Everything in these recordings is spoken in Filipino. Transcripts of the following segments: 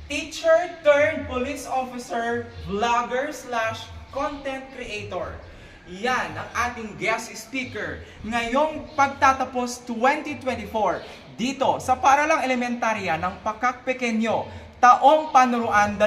teacher turned police officer, vlogger slash content creator. Yan ang ating guest speaker ngayong pagtatapos 2024 dito sa Paaralang Elementarya ng Pakak Pequeño, taong panuruan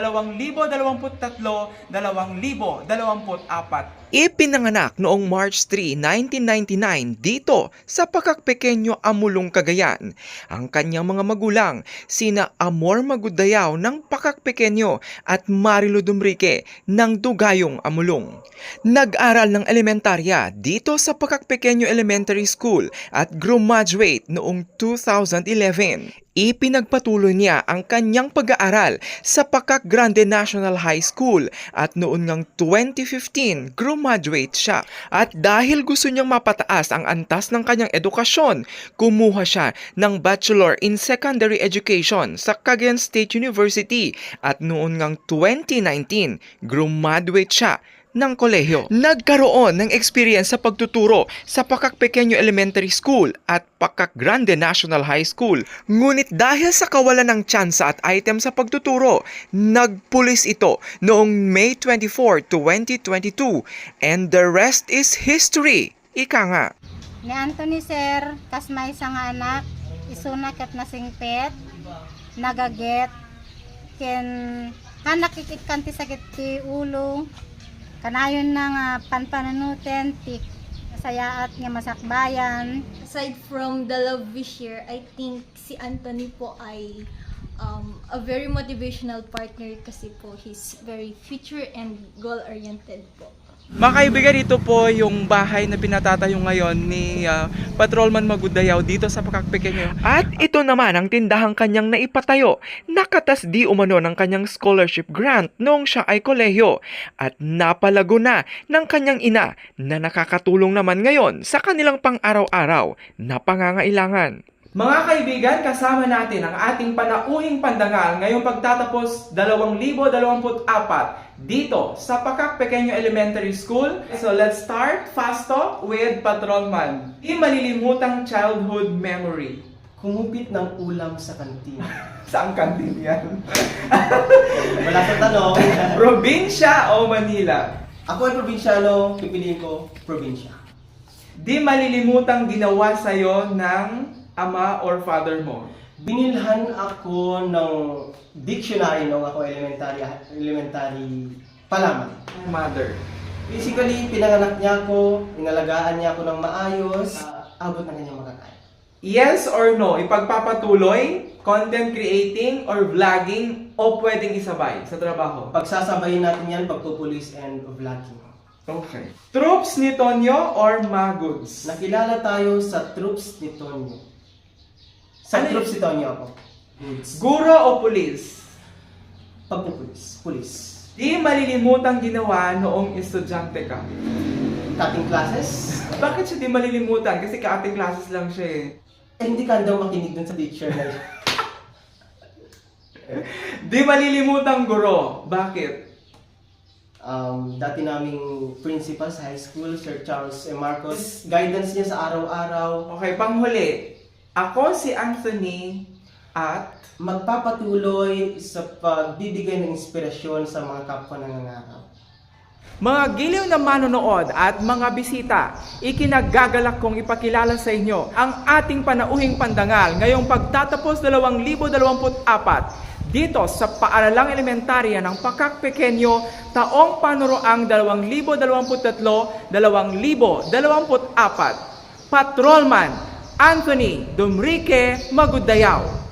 2023-2024. Ipinanganak noong March 3, 1999 dito sa Pakak Pequeño, Amulong, Cagayan. Ang kanyang mga magulang, sina Amor Magudayao ng Pakak Pequeño at Marilo Dumrique ng Dugayong, Amulong. Nag-aral ng elementarya dito sa Pakak Pequeño Elementary School at graduate noong 2011. Ipinagpatuloy niya ang kanyang pag-aaral sa Pakak Grande National High School at noon ngang 2015, graduate siya. At dahil gusto niyang mapataas ang antas ng kanyang edukasyon, kumuha siya ng Bachelor in Secondary Education sa Cagayan State University at noon ngang 2019, graduate siya ng kolehiyo. Nagkaroon ng experience sa pagtuturo sa Pakak Pequeño Elementary School at Pakak Grande National High School. Ngunit dahil sa kawalan ng tsansa at item sa pagtuturo, nagpulis ito noong May 24, 2022. And the rest is history. Ika nga. Ni Anthony Sir, kas may isang anak, isunak at nasingpet, nagaget, ken anak ikikanti sakit ti ulo, kanayon na panpanunuten, tik sayaat nga masakbayan. Aside from the love we share, I think si Anthony po ay a very motivational partner kasi po he's very future and goal-oriented po. Mga kaibigan, dito po yung bahay na pinatatayo ngayon ni Patrolman Magudayao dito sa Pakak Pequeño. At ito naman ang tindahang kanyang naipatayo. Nakatas di umano ng kanyang scholarship grant noong siya ay kolehiyo. At napalago na ng kanyang ina na nakakatulong naman ngayon sa kanilang pang-araw-araw na pangangailangan. Mga kaibigan, kasama natin ang ating panauhing pandangal ngayong pagtatapos 2024 dito sa Pakak Pequeño Elementary School. So let's start fast talk with Patrolman. Di malilimutang childhood memory. Kumupit ng ulam sa kantin. Saan kantin yan? Wala sa tanong. Probinsya o Manila? Ako ay probinsyano, pipiliin ko probinsya. Di malilimutang ginawa sa'yo ng ama or father mo? Binilhan ako ng dictionary nung ako elementary pa lamang. Mother. Basically, pinanganak niya ako, inalagaan niya ako ng maayos, abot na kanyang makakaya. Yes or no? Ipagpapatuloy, content creating, or vlogging, o pwedeng isabay sa trabaho? Pagsasabayin natin yan, pagpupulis and vlogging. Okay. Troops ni Tonyo or Maguds? Nakilala tayo sa troops ni Tonyo. Sa Ano troops ni Tonyo ako. Guro o pulis? Pagpupulis. Pulis. Di malilimutang ginawa noong estudyante ka. Cutting classes. Bakit siya di malilimutan? Kasi ka-ating classes lang siya eh. Hindi ka daw makinig dun sa teacher na yun. Di malilimutang guro. Bakit? Dati naming principal sa high school, Sir Charles M. Marcos. Guidance niya sa araw-araw. Okay, panghuli. Ako si Anthony at Magpapatuloy sa pagbibigay ng inspirasyon sa mga kapwa nangangarap. mga giliw na manonood at mga bisita, ikinagagalak kong ipakilala sa inyo ang ating panauhing pandangal ngayong pagtatapos 2024 dito sa Paaralang Elementarya ng Pakak Pequeño, taong panuroang 2023-2024. Patrolman Anthony Dumrique Magudayao.